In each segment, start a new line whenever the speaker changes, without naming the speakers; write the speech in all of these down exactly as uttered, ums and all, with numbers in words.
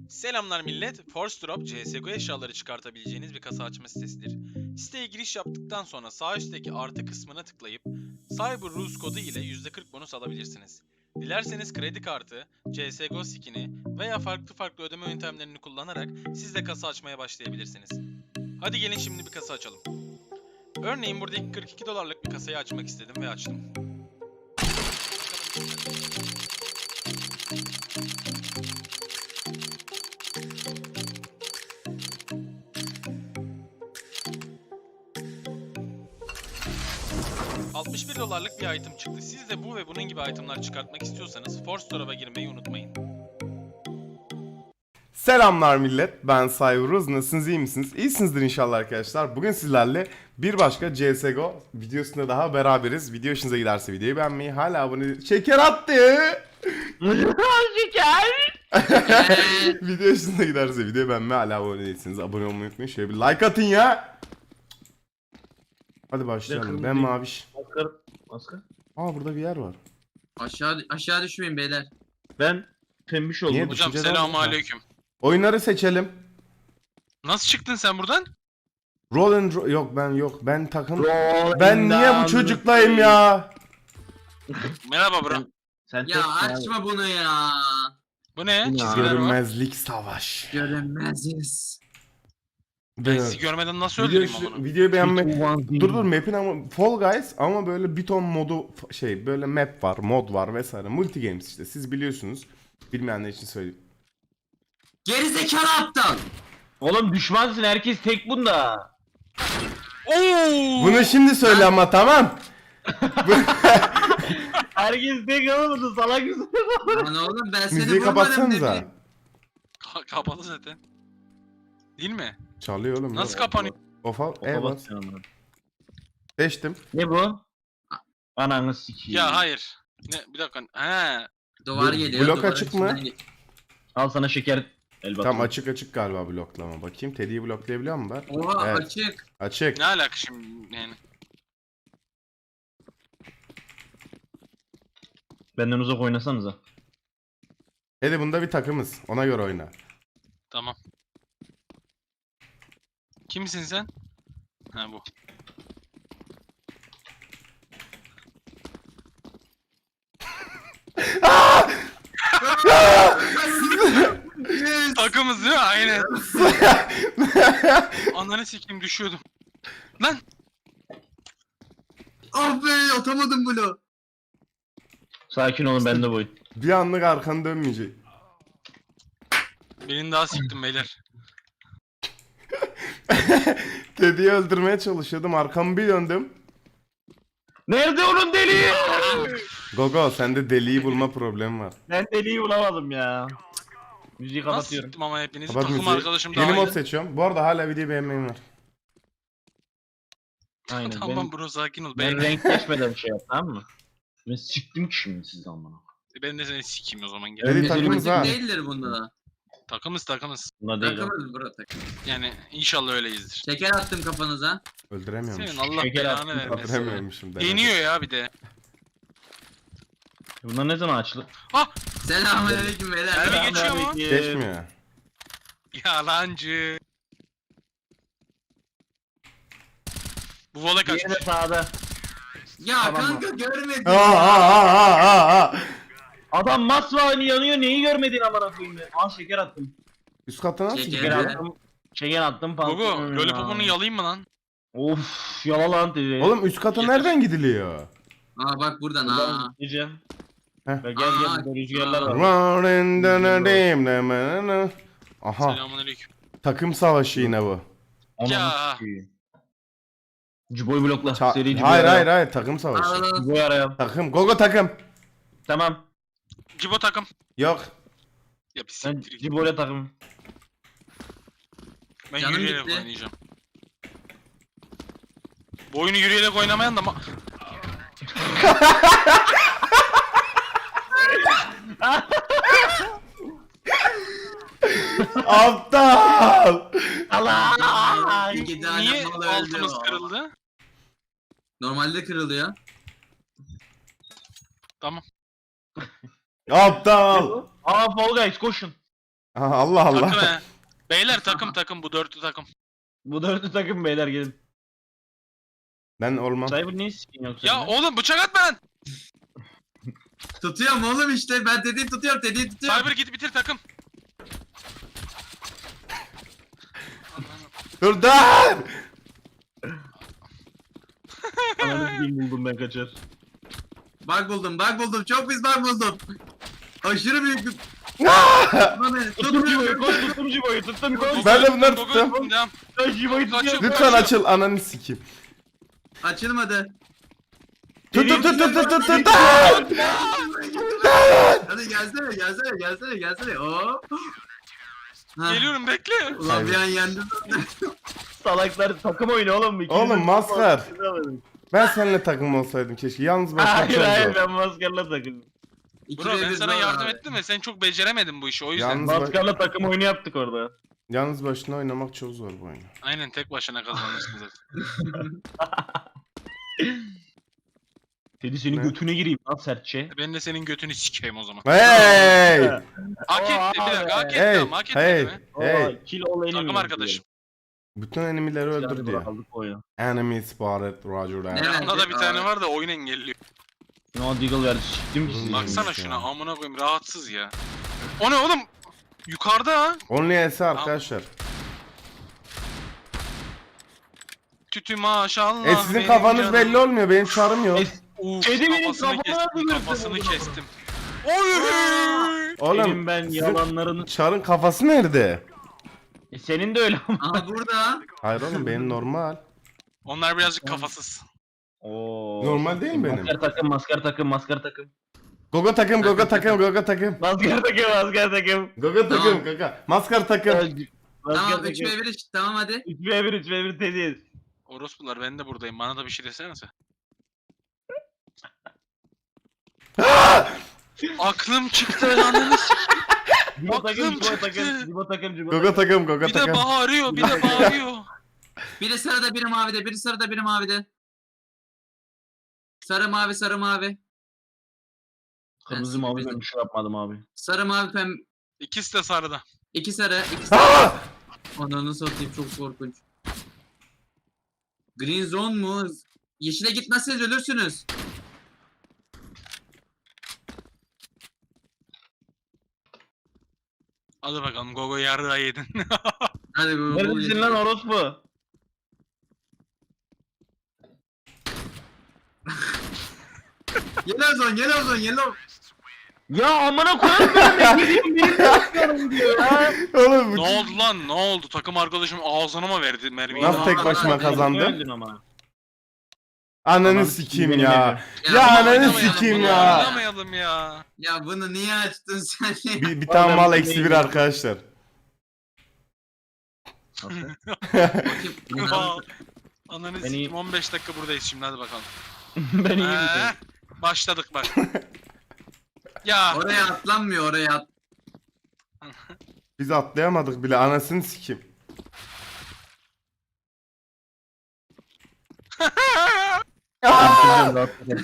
Selamlar millet. Force Drop, C S G O eşyaları çıkartabileceğiniz bir kasa açma sitesidir. Siteye giriş yaptıktan sonra sağ üstteki artı kısmına tıklayıp Cyber Rules kodu ile yüzde kırk bonus alabilirsiniz. Dilerseniz kredi kartı, C S G O skin'i veya farklı farklı ödeme yöntemlerini kullanarak siz de kasa açmaya başlayabilirsiniz. Hadi gelin şimdi bir kasa açalım. Örneğin buradaki kırk iki dolarlık bir kasayı açmak istedim ve açtım. altmış bir dolarlık bir item çıktı. Siz de bu ve bunun gibi itemlar çıkartmak istiyorsanız Force Store'a girmeyi unutmayın.
Selamlar millet, ben Cyberuz. Nasılsınız, iyi misiniz? İyisinizdir inşallah arkadaşlar. Bugün sizlerle bir başka C S G O videosunda daha beraberiz. Video hoşunuza giderse videoyu beğenmeyi, hala abone... Şeker attı!
Şeker!
Video hoşunuza giderse videoyu beğenmeyi, hala abone değilseniz abone olmayı unutmayın. Şöyle bir like atın ya! Hadi başlayalım. Ben Maviş.
Maskar. Maskar.
Aa, burada bir yer var.
Aşağı aşağı düşmeyin beyler.
Ben pembiş oldum.
Niye?
Hocam
Düşünceden
selamünaleyküm.
Oyunları seçelim.
Nasıl çıktın sen buradan?
Roll and ro- Yok ben yok. Ben takım...
Roll
Ben
and
niye bu
down
çocuklayım
the
ya?
Merhaba bro.
Sen
Ya açma bunu ya.
Bu ne?
Ya.
Çizgiler var.
Görünmezlik savaş.
Görünmeziz.
Ben sizi görmeden nasıl
Video,
öldüreyim onu?
videoyu beğenme.
Dur
Dur dur map'in ama Fall Guys ama böyle bir ton modu f- şey böyle map var, mod var vesaire. Multi games işte. Siz biliyorsunuz. Bilmeyenler için söyleyeyim.
Gerizekalı aptal.
Oğlum düşmansın, herkes tek bunda.
Oo!
Bunu şimdi söyle ama tamam.
Herkes tek olmadı, salak mısın?
Lan oğlum ben seni
Müziği
vurmadım
kapatsanıza.
dedim.
Ka- kapalı zaten. Değil mi?
Çalıyor oğlum.
Nasıl
ya.
kapanıyor?
Ofa,
Ofa
evet.
basıyor amına.
Seçtim.
Ne bu? Ananı sikeyim.
Ya hayır. Ne bir dakika. He.
Duvar
Bu-
geliyor.
blok
duvarın
açık mı?
içinden ge-
Al sana şeker. El
Tam
bakayım.
açık açık galiba bloklama. Bakayım Teddy'yi bloklayabiliyor mu ben?
Oha
Evet.
açık.
Açık.
Ne alaka şimdi yani?
Benden uzak oynasanıza.
Teddy bunda bir takımız. Ona göre oyna.
Tamam. Kimsin sen? Ha bu. Takımız değil mi? Aynen. Ananı sikeyim düşüyordum. Lan!
Ah be atamadım bunu.
Sakin olun, ben de boyun.
Bir anlık arkanı dönmeyecek.
Birini daha siktim beyler.
Teddy'yi öldürmeye çalışıyordum. Arkamı bir döndüm.
Nerede onun deliği?
Gogo sende deliği bulma problemi var.
Ben deliği bulamadım ya. Müziği
Nasıl
kapatıyorum.
siktim ama hepinizi?
Kapat
Takım
müziği.
arkadaşım daha
Yeni mod
iyi.
seçiyorum. Bu arada hala videoyu beğenmeyin var.
Aynen.
Tamam
ben,
bro sakin ol.
ben
Ben,
renkleşmeden şey yap, tamam mı? Ben siktim ki şimdi sizi amına.
ben de seni sikeyim o zaman gel.
Teddy
Önce
takımız
seni-
ha.
Değildir bunda da.
Takımız takımız.
Buna değil o.
Takımız bro takım.
Yani inşallah öyleyizdir.
Şeker attım kafanıza.
Öldüremiyormuş.
Senin Allah
Şeker
belanı
attım,
vermesin.
Öldüremiyormuşum. denedim.
Deniyor ya bir de.
Bunlar ne zaman açılır?
Ah!
Selamünaleyküm beyler.
Mermi geçiyor mu?
Geçmiyor.
Yalancı. Bu vola
Diğeri de
kaçmış.
sağda.
Ya
Tamam
kanka görmedim.
Aa aa aa aa aa.
Adam masmavi yanıyor, neyi görmedin amına koyayım ya? Al şeker attım.
Üst kata nasıl
Şeker
Şeker
gidiyor?
ya.
attım. Şeker attım
Gogo,
pantolonuna.
lollipopunu yalayayım mı lan?
Of, yala lan dedi.
Oğlum üst kata
Yeter.
nereden gidiliyor?
Aa bak buradan aa.
Buradan gideceğim.
Heh.
Gel gel
Aa,
burada rüzgarlar var.
Running down a dim dim dim. Aha,
Selamünaleyküm.
takım savaşı yine bu.
Ya.
Cuboy blokla.
Ça-
Seri Cuboy
hayır
araya.
hayır hayır takım savaşı.
Aa,
Cuboy araya.
Takım. Gogo takım.
Tamam.
Cibo takım.
Yok.
Ya bir
Ben
siktir git.
Cuboy'la takım.
Ben
Canım
yürüyerek
gitti.
oynayacağım. Bu oyunu yürüyerek oynamayan da ma...
Aptal.
Allah!
İki tane
Niye
mal öldü
altımız
o.
kırıldı?
Normalde kırılıyor.
Tamam.
Aptal.
Aa Fall Guys koşun.
Aha, Allah Allah.
Takım he. Beyler takım takım bu dörtlü takım.
Bu dörtlü takım beyler gelin.
Ben olmam.
Cyber niye sikin yoksa?
Ya oğlum bıçak atma lan.
Tutuyorum oğlum işte. Ben dediği tutuyorum. Dediği tutuyorum.
Cyber git bitir takım.
Dur dur.
Ananı sikeyim buldum ben kaçar.
Bak buldum. Bak buldum. Çok pis bak buldum. Aşırı büyük bir... Tutma beni,
Tuttum
tutma
Cibo'yu
beni.
koş tuttum Cibo'yu tuttum koş.
Ben de bunları
Gogo,
tuttum.
Devam.
Koş Cibo'yu
Kaçıyor.
tutuyorum.
Lütfen açıl ananı sikeyim.
Açılmadı.
Tut tut tut tut tut tut tut.
Hadi gelsene gelsene gelsene gelsene. Hop. Ha.
Geliyorum bekle.
Ulan bir an yendim.
Salaklar takım oyunu oğlum. İkiniz
Oğlum,
de-
maskar. Ben seninle takım olsaydım keşke. Yalnız başına
Hayır
çok
hayır
zor.
ben maskarla takım.
İki
Bro
ve
ben
bir
sana
zor
yardım
abi.
ettim ve sen çok beceremedin bu işi o yüzden.
Yalnız, ba-
Maskarla takım oyunu yaptık orada.
yalnız başına oynamak çok zor bu oyunu.
Aynen tek başına kazanırsın zaten.
Teddy senin
Ne?
götüne gireyim lan sertçe.
Ben de senin götünü sikeyim o zaman.
Hey!
Hak etti bir
abi.
dakika hak etti
Hey!
ama hak etti
Hey!
mi?
Hey!
Kill all enemy.
Takım arkadaşım.
Bütün enemileri öldür diyor.
Aldık oyunu.
Enemy spotted, roger that.
Evet.
Yanında da bir tane
Aa.
var da oyun engelliyor.
No Deagle verdi çıktım ki siz.
Baksana
ya.
şuna amına koyayım rahatsız ya. O ne oğlum? Yukarıda ha.
Only S arkadaşlar.
Tütü maşallah.
E sizin
benim
kafanız
canım.
belli olmuyor. Benim çarım yok.
Uf,
Kedi benim
kafasını
kafama
kestim,
nasıl
kafasını
gördün bunu?
kestim. Oy!
Oğlum
Senin ben
sizin
yalanlarını...
çarın kafası nerede?
E, senin de öyle ama.
Aha burada.
Hayır oğlum benim normal.
Onlar birazcık kafasız.
Oo.
Normal değil mi benim?
Maskar takım, maskar takım, maskar takım.
Gogo takım, gogo takım, gogo takım.
Maskar takım, maskar takım.
Gogo takım,
Tamam.
kaka. Maskar takım.
Maskar
Tamam üç ve
takım.
bir işte. Tamam hadi.
üç ve bir, üç ve bir Teddy.
Orospular ben de buradayım. Bana da bir şey desenize. Aklım çıktı ananı s-
Cibo takım,
Aklım
Cibo
çıktı.
takım, Cibo takım, Cibo
Gogo takım, gogo
Bir de
takım.
bağırıyor, bir de bağırıyor.
Biri sarıda biri mavide. Biri sarıda biri mavide. Sarı mavi sarı mavi.
Kırmızı mavi ben bir şey yapmadım abi.
Sarı mavi pem.
İkisi de sarıda.
İki sarı. iki sarı.
Aa!
Ananı satayım çok korkunç. Green zone mu? Yeşile gitmezseniz ölürsünüz.
Hadi bakalım Gogo yarrağı yedin.
Hadi bu. bu
Neredesin lan orospu?
Yellow zone, yellow zone, yellow.
Ya amına koyarım ben de gideyim benim de yapıyorum diyor ya.
Oğlum
ne
bu
oldu lan? Ne oldu? Takım arkadaşım ağzına mı verdi mermiyi?
nasıl tek başıma
Aa,
kazandım?
Öldün ama.
Ananı
Tamam,
sikeyim
benim
ya.
elim.
Ya
Bunu
ananı
oynamayalım,
sikeyim
bunu
ya.
Oynamayalım ya.
Ya bunu niye açtın sen ya?
Bir, bir tane
Oğlum,
mal
bu
eksi bir
neydi?
arkadaşlar.
Bakayım.
Aa, Ananı
Beni-
sikeyim on beş dakika buradayız şimdi hadi bakalım.
Ben iyi
Ee,
misin?
başladık bak. Ya
Oraya atlanmıyor oraya at.
Biz atlayamadık bile anasını sikeyim.
Çözeceğim, rahat ol.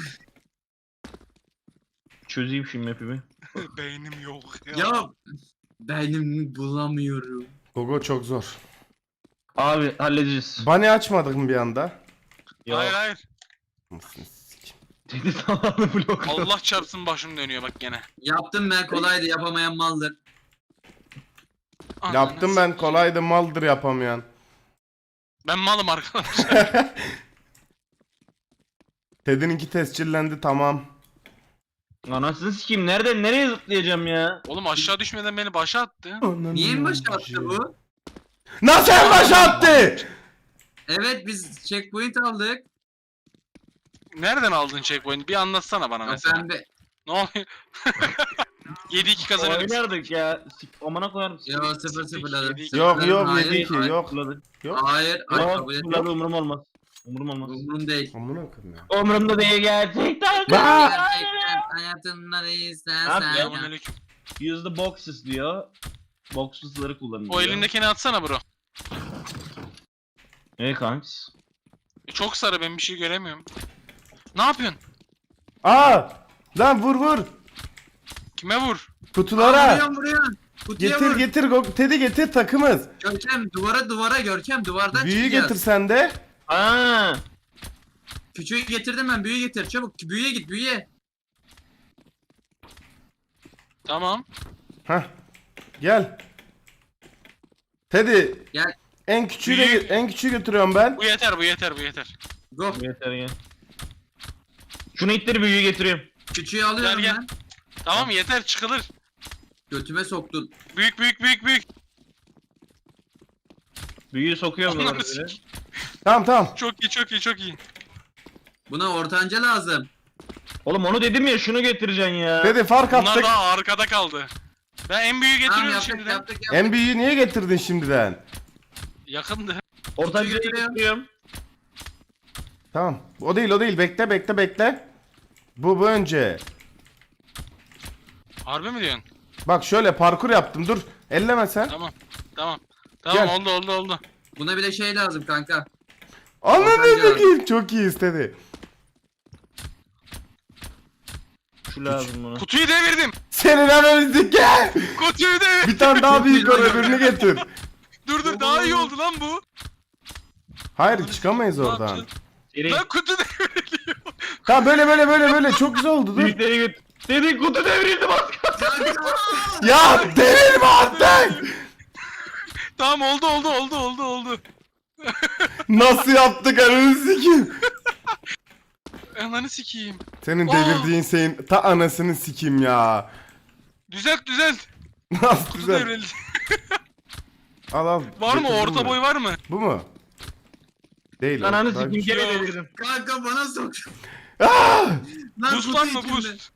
Çözeyim şimdi map'imi.
beynim yok ya.
Ya beynimi bulamıyorum.
Gogo çok zor.
Abi halledeceğiz.
Bunny açmadık mı bir anda?
Ya.
Hayır hayır.
Anasını sikeyim.
Teddy tamamını blok.
Allah çarpsın başım dönüyor bak gene.
Yaptım ben kolaydı yapamayan maldır.
Ananı
Yaptım ben
sikeyim.
kolaydı maldır yapamayan.
Ben malım arkadaşlar.
Ted'inki tescillendi tamam.
Anasını sikeyim nereden nereye zıplayacağım ya?
Oğlum aşağı düşmeden beni başa attı.
Niye mi başa attı bu?
Nasıl en başa attı?
Evet biz checkpoint aldık.
Nereden aldın checkpoint'i? Bir anlatsana bana
Ya
mesela.
pembe.
Ne oluyor? yedi iki kazanırız.
Oynardık ya. Sik amına koyarım.
Yo sıfır sıfırladım.
Yedik.
Yok yok
Hayır,
yedi iki
hayır.
yok.
Zıpladık.
Yok.
Hayır. Ay,
Yok
kabul
zıpladı
etmiyorum.
umurum olmaz. Umurum olmaz.
Umrum değil.
Amına koyayım ya.
Umurumda değil gerçekten.
Ba-
Gerçekten hayatımda
Abi,
istersen ya.
Selamünaleyküm.
Use the boxes diyor. Boxes'ları kullanın diyor.
O elindekini atsana bro.
Ne kanks?
E, Çok sarı ben bir şey göremiyorum. Ne yapıyorsun?
Aa! Lan vur vur.
Kime vur?
Kutulara.
Vuruyorum vuruyorum. Kutuya
Getir
vur.
getir Go- Teddy getir takımız.
Görkem duvara duvara Görkem duvardan
Büyüyü
çıkacağız.
getir sen de.
Aa.
Küçüğü getirdim ben, büyüğü getir çabuk. Büyüye git, büyüye.
Tamam.
Hah. Gel. Teddy.
Gel.
En küçüğü de,
Büyük.
en küçüğü götürüyorum ben.
Bu yeter, bu yeter, bu yeter.
Go.
Yeter ya. Şunu ittir büyüğü getiriyorum.
Küçüğü alıyorum
Gel, gel.
ben.
Tamam yeter, çıkılır.
Götüme soktun.
Büyük büyük büyük büyük.
Büyüğü sokuyorum
Ananı
da böyle.
sikeyim.
Tamam tamam.
Çok iyi, çok iyi, çok iyi.
Buna ortanca lazım.
Oğlum onu dedim ya şunu getireceksin ya.
Teddy fark
Bunlar
attık.
daha arkada kaldı. Ben en büyüğü
Tamam
getiriyorum
yaptık
şimdiden.
yaptık yaptık.
En büyüğü niye getirdin şimdiden?
Yakındı.
Ortancayı
getiriyorum.
getiriyorum.
Tamam. O değil o değil. Bekle bekle bekle. Bu bu önce.
Harbi mi diyorsun?
Bak şöyle parkur yaptım. Dur. Elleme sen.
Tamam. Tamam. Tamam
Gel.
oldu oldu oldu.
Buna bile şey lazım kanka.
Anladın
Ortanca
bakayım. Çok iyi istedi.
Şu lazım buna.
Kutuyu devirdim.
Senin analizdik gel.
Kutuyu devirdim.
Bir tane daha
Çok
büyük
iyi
var
lan.
öbürünü getir.
Dur dur daha iyi oldu lan bu.
Hayır çıkamayız
Ne
oradan.
yapacağız?
Seri.
Lan kutu devriliyor.
Tamam böyle böyle böyle böyle çok güzel oldu dur.
Büyükleri göt. Dedi kutu devrildi bak.
Ya delirme artık.
Tamam oldu oldu oldu oldu oldu.
Nasıl yaptık ananı sikeyim.
Ananı sikeyim.
Senin
Aa!
devirdiğin şeyin ta anasını sikeyim ya.
Düzelt düzelt.
Nasıl
Kutu
güzel.
devrildi.
Al al.
Var mı
Getirdin
orta
mi?
boy var mı?
Bu mu? Değil o.
Ananı
Daha
sikeyim
küçük.
gene
Yok.
devirdim.
Kanka bana sok.
Ah!
Lan
Boost
kutu
lan mı
içinde.
boost?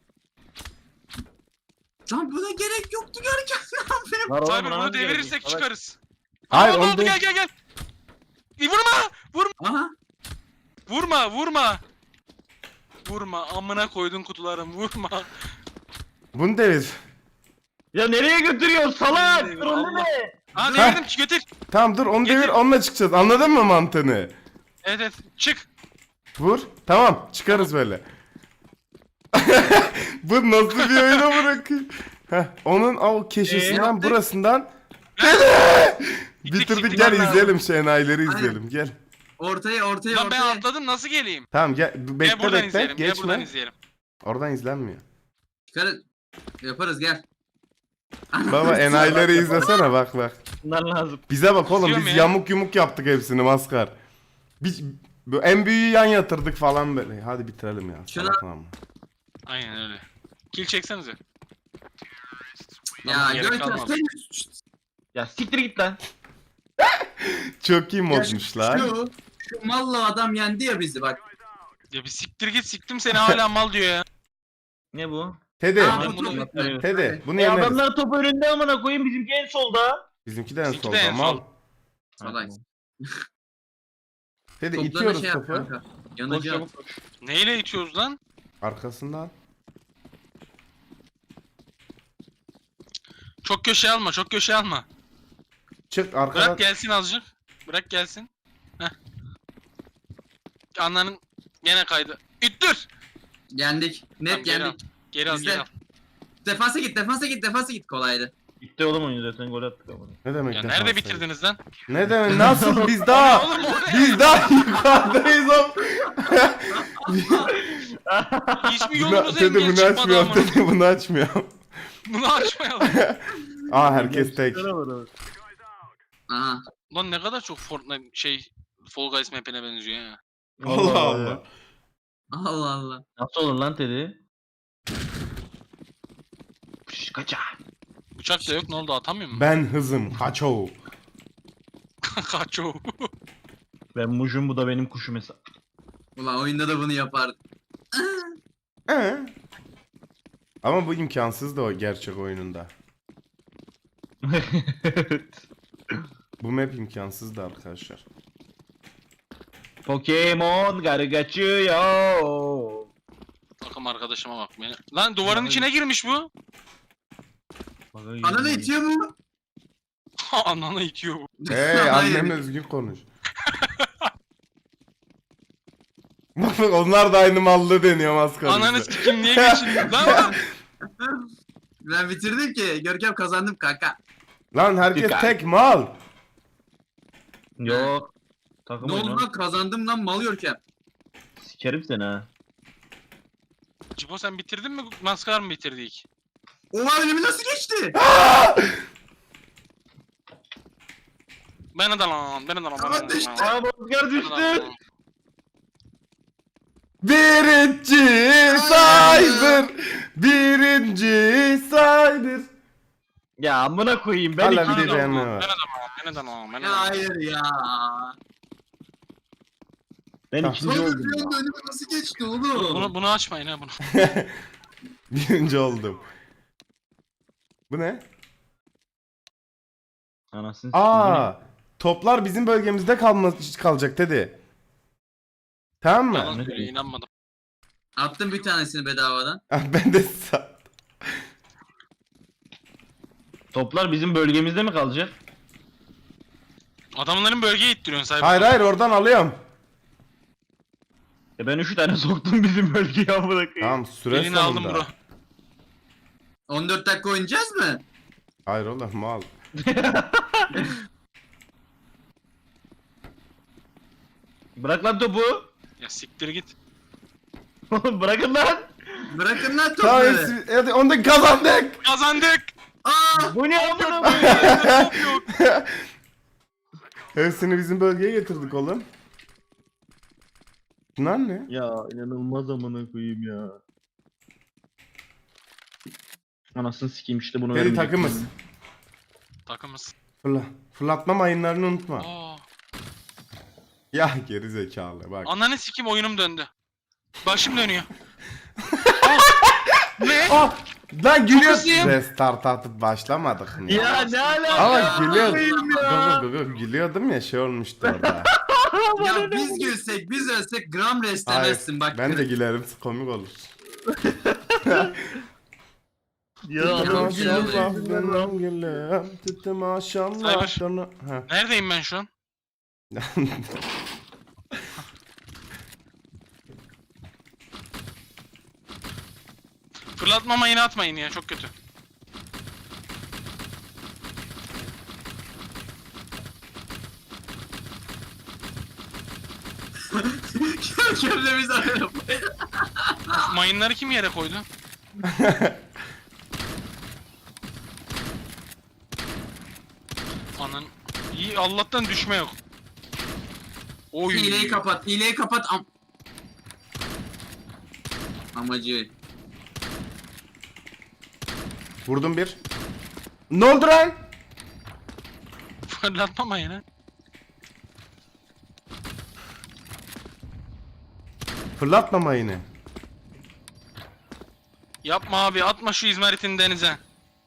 Lan buna gerek yoktu Görkem. Ne yapayım?
Var oğlum,
Cyber
buna
bunu
nasıl gelecek?
devirirsek
Salak.
çıkarız.
Hayır,
Aa, ne
onu
oldu
değil.
gel gel gel. E, vurma! Vurma!
Aha.
Vurma! Vurma! Vurma! Amına koydun kutularım vurma!
Bunu devir.
Ya nereye götürüyorsun salak?
Devir,
Dur onu
Allah.
ne?
Ha
Ha.
devirdim ki götür.
Tamam dur onu
Getir.
devir onunla çıkacağız. Anladın mı mantığını?
Evet evet çık.
Vur. Tamam çıkarız böyle. Bu nasıl bir oyuna bırakayım? Heh, onun o keşesinden
yaptık?
burasından
Gittik,
bitirdik
gittik,
gel
vallahi.
izleyelim şenayları izleyelim gel.
Ortaya ortaya
Lan ben
ortaya.
atladım nasıl geleyim?
Tamam gel
Gel
bekle
buradan
bekle
izleyelim. Gel buradan
geçme.
izleyelim.
Oradan izlenmiyor.
Çıkarız. Yaparız gel.
Baba enayileri izlesene bak bak.
Bunlar lazım.
Bize bak oğlum
İzliyorum
biz
ya.
yamuk yumuk yaptık hepsini maskar. Biz bu en büyüğü yan yatırdık falan böyle. Hadi bitirelim ya.
Şuna-
salak lan bu.
Aynen öyle. Kill çeksenize.
Ya
Tamam, gerek
Görkem
kalmadı.
sen
Ya siktir git lan.
Çok iyi
Ya
modmuş lan.
Şu, şu mallı adam yendi ya bizi bak.
Ya bir siktir git siktim seni hala mal diyor ya.
Ne bu?
Teddy.
Aa,
ben
bu
bunu-
çok güzel.
Teddy bunu
E
yeneriz.
adamlar top önünde amına koyayım bizimki en solda.
Bizimki de en
Bizimki de
solda
en
mal.
sol.
Salak.
Teddy
Toplarına
itiyoruz
şey yap
topu.
kanka.
Koş
Yanıcı at.
çabuk koş.
Neyle itiyoruz lan?
Arkasından.
Çok köşe alma çok köşe alma.
Çık arkadan.
Bırak gelsin azıcık. Bırak gelsin. Heh. Anlanın gene kaydı. İttir.
Yendik. Net
Tamam, geri al.
yendik.
Geri al
Bizde.
geri al.
Defansa git defansa git defansa git kolaydı.
Bitti oğlum oyun zaten gol attık amına.
Ne demek
Ya
defans
nerede
sayı?
bitirdiniz lan?
Ne demek nasıl biz daha
Oğlum o ne?
biz daha yukarıdayız oğlum.
Hiçbir
Bunu,
yolumuz
Teddy
engel
bunu
çıkmadı
açmıyorum.
ama.
Teddy bunu açmıyorum.
Bunu açmayalım.
Aa herkes tek.
Aha.
Lan ne kadar çok Fortnite şey Fall Guys map'ine benziyor ya.
Allah Allah.
Allah Allah.
Nasıl olur lan Teddy? Pış kaça.
Uçak da yok ne oldu atamıyor mu?
Ben hızım. Kaço.
Kaç o.
Ben mujum bu da benim kuşum hesap.
Ulan oyunda da bunu yapardı.
Ee? Ama bu imkansız da o gerçek oyununda. Bu map imkansız da arkadaşlar.
Pokemon garı kaçıyor.
Takım arkadaşıma bak beni. Lan duvarın içine girmiş bu.
Ananı itiyor mu?
Ananı itiyor bu.
Hey
Hayır.
annemle özgün konuş. Bak bak onlar da aynı mallı deniyor maskara.
Ananı sikim niye geçindin lan?
Ben bitirdim ki. Görkem kazandım kanka.
Lan herkes
Dikkat.
tek mal.
Yok. Takım
Ne oldu
oyunu.
lan, kazandım lan mal Görkem.
Sikerim seni ha.
Cibo sen bitirdin mi? Maskar mı bitirdik?
Oha, önümü nasıl geçti?
Ben de lan, ben de lan.
Aman düştü.
Aa Maskar düştü.
Birinci Cyber. Birinci Cyber.
Ya amına koyayım ben
Hala
ikinci
bir de
oldum.
beğenme
Ben
var.
de lan, ben de lan, ben de
Ya
lan.
hayır ya.
Ben
Tamam.
ikinci
Cyber
oldum.
bir
ya.
anda önüme nasıl geçti oğlum?
Bunu, bunu açmayın ha bunu.
Birinci oldum. Bu ne?
Anasını
Aa, toplar bizim bölgemizde kalma kalacak dedi. Tamam mı?
Yalan söylüyor, inanmadım.
Attım bir tanesini bedavadan.
Ben de sa-
Toplar bizim bölgemizde mi kalacak?
Adamların bölgeye ittiriyorsun sahibi.
Hayır hayır oradan alıyorum.
E ben üç tane soktum bizim bölgeye amına koyayım.
Tamam süre
Birini aldım
sonunda.
bro.
on dört dakika oynayacağız mı?
Hayır oğlum mal.
Bırak lan topu.
Ya siktir git.
Oğlum bırakın lan.
Bırakın lan
Tamam
topları.
hepsi- hadi onu da kazandık.
Kazandık.
Aa!
Bu ne amına koyayım?
Top yok.
Hepsini bizim bölgeye getirdik oğlum. Bunlar ne?
Ya inanılmaz amına koyayım ya. Anasını sikeyim işte bunu
Teddy
vermeyecek.
takımız.
Takımız.
Fırla. Fırlatma mayınlarını unutma.
Aa.
Ya geri zekalı bak.
Ananı sikim oyunum döndü. Başım dönüyor. Aa! Ne?
Ah! Lan gülüyor.
hızlıyım.
Restart atıp başlamadık mı?
Ya ne alaka?
Ama gülüyor.
Koyayım ya.
Gugu gugu gülüyordum ya şey olmuştu orada.
Ya biz gülsek, biz ölsek gram
Hayır,
restemezsin bak.
ben de gülerim komik olur.
Ya adam
Maşallah
gülüyor.
benim gülüm. Tütü maşallah.
Cyber.
donu- Ha.
Neredeyim ben şu an? Fırlatma mayını atmayın ya, çok kötü.
Görkemle biz arayalım.
Mayınları kim yere koydu? Anan. İyi, Allah'tan düşme yok. Oy.
Hileyi kapat, hileyi kapat. Am Amacı.
Vurdum bir. Ne oldu lan?
Fırlatma mayını.
Fırlatma mayını.
Yapma abi, atma şu izmaritini denize.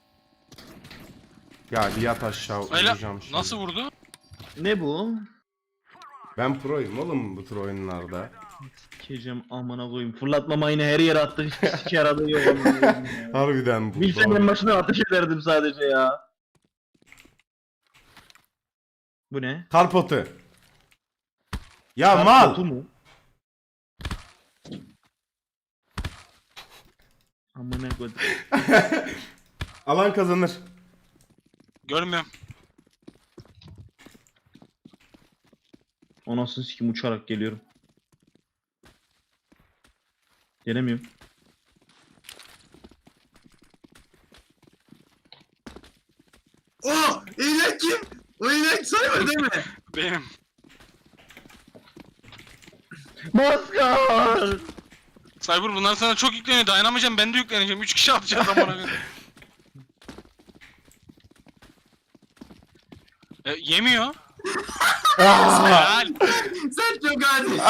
Ya bir yat aşağı
Öyle
uyuyacağım şimdi.
nasıl vurdu?
Ne bu?
Ben proyum oğlum bu tür oyunlarda.
Sikeceğim amına koyayım. Fırlatma mayını her yere attık. Hiçbir sike yaradığı yok amına koyayım ya.
Harbiden bu.
Bilsem en başına ateş ederdim sadece ya. Bu ne?
Karpotu. Ya
Kar
mal.
topu mu? Amına koydum.
Alan kazanır.
Görmüyorum.
Anasını sikim uçarak geliyorum. Gelemiyorum.
Oh! İğnek kim? O iğnek sayma değil mi?
Benim.
Maskar!
Cyber bundan sonra çok yükleniyor. Dayanamayacağım, ben de yükleneceğim. üç kişi atacağız amına koyayım. E, yemiyor.
Ah!
Helal.
Sen çok adi.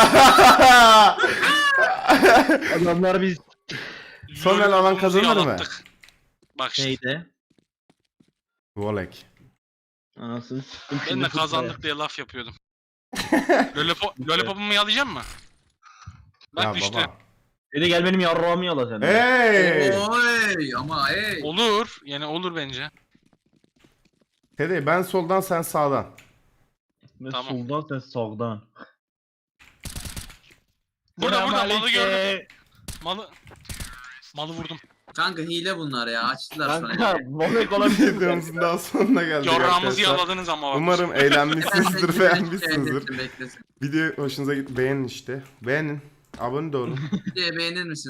Adamlar biz
Son el alan kazanır mı?
Yalattık. Bak şimdi.
neydi?
Volek.
Anasını siktim
Ben
şimdi
de
futbola.
kazandık diye laf yapıyordum. Lollipop, lollipopumu yalayacağım mı? Bak
Ya
düştü.
baba.
Dedi gel benim yarrağımı yala sen.
Hey!
Oy ama hey.
Olur. Yani olur bence.
Teddy ben soldan sen sağdan.
Ben
Tamam.
soldan sen sağdan.
Burada burada malı
Selamünaleyküm.
gördüm. Malı. Malı vurdum.
Kanka hile bunlar ya. Açtılar
Kanka
sonra.
Momek olabilir mi?
Videomuzun daha sonuna geldik
Yorrağımızı
arkadaşlar.
yaladınız ama bak.
Umarım eğlenmişsinizdir,
Beklesin,
beğenmişsinizdir.
beklesin, beklesin.
Video hoşunuza gitti. Beğenin işte. Beğenin. Abone de olun.
Videoyu beğenir misin?